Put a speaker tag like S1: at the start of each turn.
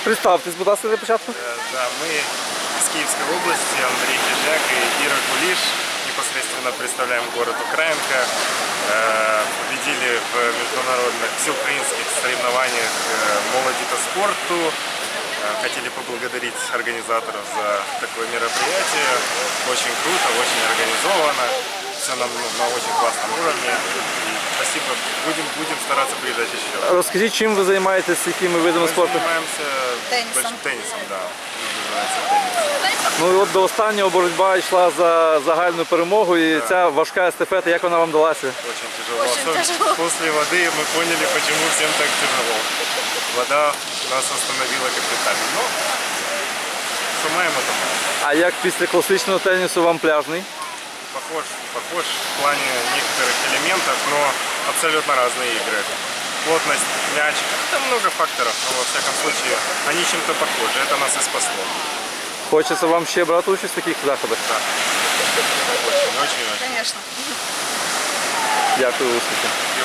S1: Представтесь, будь ласка, для початку.
S2: Да, мы из Киевской области, Андрей Кизляк и Ира Кулиш, непосредственно представляем город Украинка. Победили в международных всеукраинских соревнованиях «Молоди по спорту». Хотели поблагодарить организаторов за такое мероприятие. Очень круто, очень организовано. Все на очень классном уровне. И спасибо. Будем стараться приезжать еще.
S1: Розкажіть, чим ви займаєтесь, якими видами
S2: Мы
S1: спорту?
S2: занимаемся теннисом, да. Называется теннис.
S1: Ну і от до останнього боротьба йшла за загальну перемогу, і ця важка естафета, як вона вам далася?
S2: Очень тяжело.
S3: Очень
S2: Особенно
S3: тяжело.
S2: После воды мы поняли, почему всем так тяжело. Вода нас остановила капитально. Но суммаем это.
S1: А як після класичного тенісу вам пляжний?
S2: Похож в плане некоторых элементов, но абсолютно разные игры. Плотность, мяч, там много факторов, но во всяком случае они чем-то похожи. Это нас и спасло.
S1: Хочеться вам ще брати участь в таких заходах?
S2: Да. Очень.
S3: Конечно.
S1: Дякую, успіхів.